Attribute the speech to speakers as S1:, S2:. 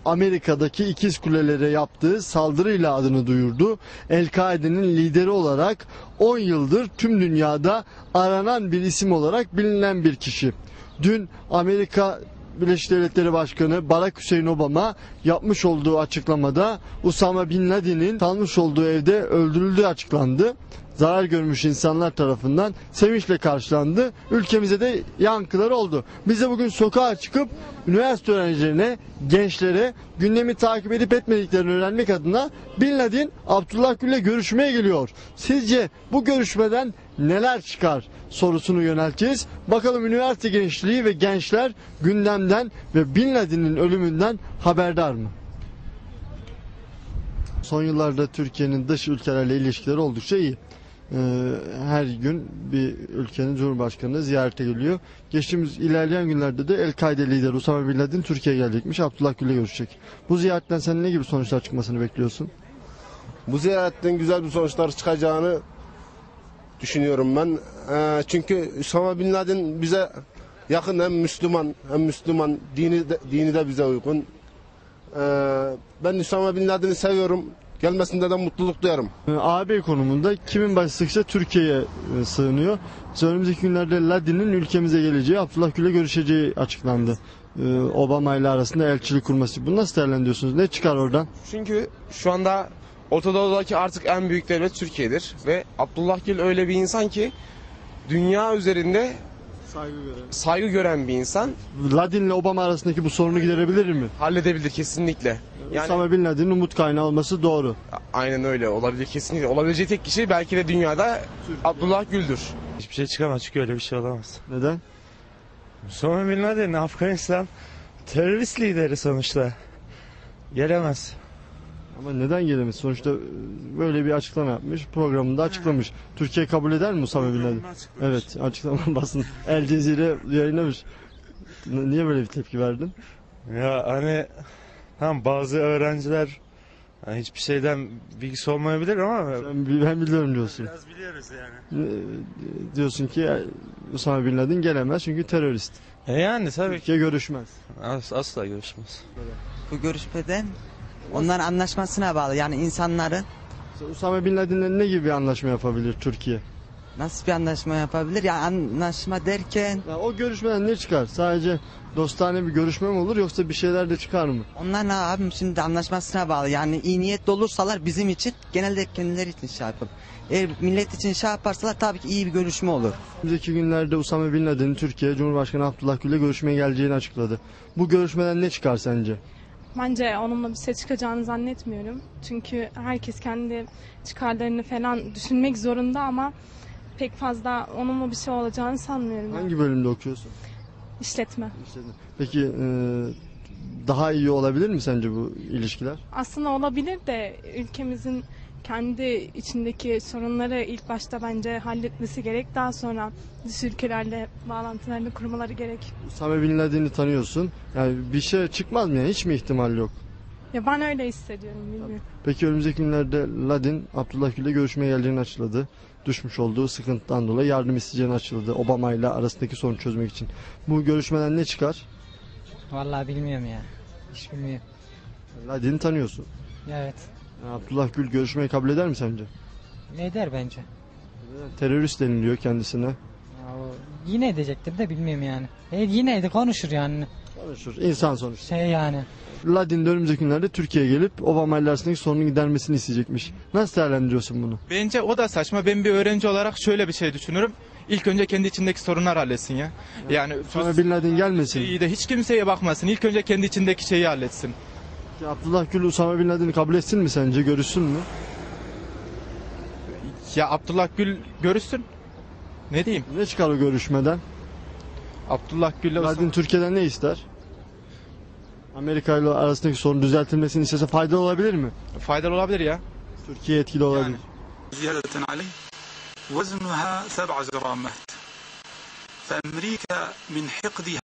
S1: Amerika'daki ikiz kulelere yaptığı saldırıyla adını duyurdu. El-Kaide'nin lideri olarak 10 yıldır tüm dünyada aranan bir isim olarak bilinen bir kişi. Dün Amerika Birleşik Devletleri Başkanı Barack Hüseyin Obama yapmış olduğu açıklamada Usama Bin Laden'in kalmış olduğu evde öldürüldüğü açıklandı. Zarar görmüş insanlar tarafından sevinçle karşılandı. Ülkemize de yankıları oldu. Biz de bugün sokağa çıkıp üniversite öğrencilerine, gençlere gündemi takip edip etmediklerini öğrenmek adına Bin Laden Abdullah Gül'le görüşmeye geliyor. Sizce bu görüşmeden neler çıkar sorusunu yönelteceğiz. Bakalım üniversite gençliği ve gençler gündemden ve Bin Laden'in ölümünden haberdar mı? Son yıllarda Türkiye'nin dış ülkelerle ilişkileri oldukça iyi. Her gün bir ülkenin Cumhurbaşkanı ziyarete geliyor. Geçtiğimiz ilerleyen günlerde de El-Kaide lideri Usama Bin Laden Türkiye'ye gelecekmiş. Abdullah Gül'le görüşecek. Bu ziyaretten sen ne gibi sonuçlar çıkmasını bekliyorsun?
S2: Bu ziyaretten güzel bir sonuçlar çıkacağını düşünüyorum ben. Çünkü Usama Bin Laden bize yakın, hem Müslüman dini de bize uygun. Ben Usama Bin Laden'i seviyorum. Gelmesinde de mutluluk duyarım.
S1: AB konumunda kimin başı sıkışsa Türkiye'ye sığınıyor. Önümüzdeki günlerde Laden'in ülkemize geleceği, Abdullah Gül'le görüşeceği açıklandı. Obama ile arasında elçilik kurması. Bunu nasıl değerlendiriyorsunuz? Ne çıkar oradan?
S3: Çünkü şu anda Orta Doğu'daki artık en büyük devlet Türkiye'dir. Ve Abdullah Gül öyle bir insan ki dünya üzerinde saygı gören bir insan.
S1: Laden ile Obama arasındaki bu sorunu giderebilir mi?
S3: Halledebilir kesinlikle. Yani,
S1: Usama Bin Laden'in umut kaynağı olması doğru.
S3: aynen öyle olabilir kesinlikle. Olabileceği tek kişi belki de dünyada Abdullah Gül'dür.
S4: Hiçbir şey çıkamaz çünkü öyle bir şey olamaz.
S1: Neden?
S4: Osama Bin Laden Afganistan terörist lideri sonuçta. Gelemez.
S1: Ama neden gelemez? Sonuçta böyle bir açıklama yapmış, programında açıklamış. Türkiye kabul eder mi Usama Bin Laden? Evet, açıklama basın. El Cezire yayınlamış. Niye böyle bir tepki verdin?
S4: Ya hani bazı öğrenciler hiçbir şeyden bilgisi olmayabilir ama
S1: Ben biliyorum diyorsun.
S4: biraz biliyoruz yani.
S1: Diyorsun ki Usama Bin Laden gelemez çünkü terörist.
S4: Yani tabii ki
S1: Türkiye görüşmez.
S4: asla görüşmez.
S5: Bu görüşmeden onların anlaşmasına bağlı. Yani insanların
S1: Usama Bin Laden'le ne gibi bir anlaşma yapabilir Türkiye?
S5: nasıl bir anlaşma yapabilir? Yani anlaşma derken
S1: Ya o görüşmeden ne çıkar? Sadece dostane bir görüşme mi olur yoksa bir şeyler de çıkar mı?
S5: onlar ne abim şimdi anlaşmasına bağlı. Yani iyi niyetli olursalar bizim için genelde kendileri için şey yapıp. Eğer millet için şey yaparsalar tabii ki iyi bir görüşme olur.
S1: Önümüzdeki günlerde Usama Bin Laden'in Türkiye Cumhurbaşkanı Abdullah Gül'le görüşmeye geleceğini açıkladı. Bu görüşmeden ne çıkar sence?
S6: Bence onunla bir şey çıkacağını zannetmiyorum. Çünkü herkes kendi çıkarlarını falan düşünmek zorunda ama pek fazla onunla bir şey olacağını sanmıyorum.
S1: Hangi bölümde okuyorsun?
S6: İşletme.
S1: Peki daha iyi olabilir mi sence bu ilişkiler?
S6: Aslında olabilir de ülkemizin kendi içindeki sorunları ilk başta bence halletmesi gerek. Daha sonra dış ülkelerle bağlantılarını kurmaları gerek.
S1: Usama Bin Laden'i tanıyorsun. Yani bir şey çıkmaz mı yani? Hiç mi ihtimal yok?
S6: Ya ben öyle hissediyorum, bilmiyorum.
S1: Peki önümüzdeki günlerde Laden Abdullah Gül'le görüşmeye geleceğini açıkladı. Düşmüş olduğu sıkıntıdan dolayı yardım isteyeceğini açıkladı. Obama ile arasındaki sorunu çözmek için. Bu görüşmeden ne çıkar?
S7: Vallahi bilmiyorum ya. Hiç bilmiyorum.
S1: Laden'i tanıyorsun.
S7: Evet.
S1: Abdullah Gül görüşmeyi kabul eder mi sence?
S7: Ne eder bence?
S1: Terörist deniliyor kendisine.
S7: Ya o yine edecektir de bilmiyorum yani. Yine de konuşur yani.
S1: Konuşur. İnsan sonuçta.
S7: Yani.
S1: Laden de önümüzdeki günlerde Türkiye'ye gelip Obama ile arasındaki sorunun gidermesini isteyecekmiş. Nasıl değerlendiriyorsun bunu?
S8: Bence o da saçma. Ben bir öğrenci olarak şöyle bir şey düşünürüm. İlk önce kendi içindeki sorunlar halletsin ya. Yani
S1: Usama Bin Laden gelmesin.
S8: iyi de hiç kimseye bakmasın. İlk önce kendi içindeki şeyi halletsin.
S1: Abdullah Gül Usama Bin Laden'i kabul etsin mi sence? Görüşsün mü?
S8: Ya Abdullah Gül görüşsün. Ne diyeyim?
S1: Ne çıkar o görüşmeden?
S8: Abdullah Gül'le
S1: Laden Türkiye'den ne ister? Amerika ile arasındaki sorun düzeltilmesini istese faydalı olabilir mi?
S8: faydalı olabilir ya.
S1: Türkiye etkili olabilir.
S9: زيادة عليه وزنها 7 جرامات فأمريكا من حقدها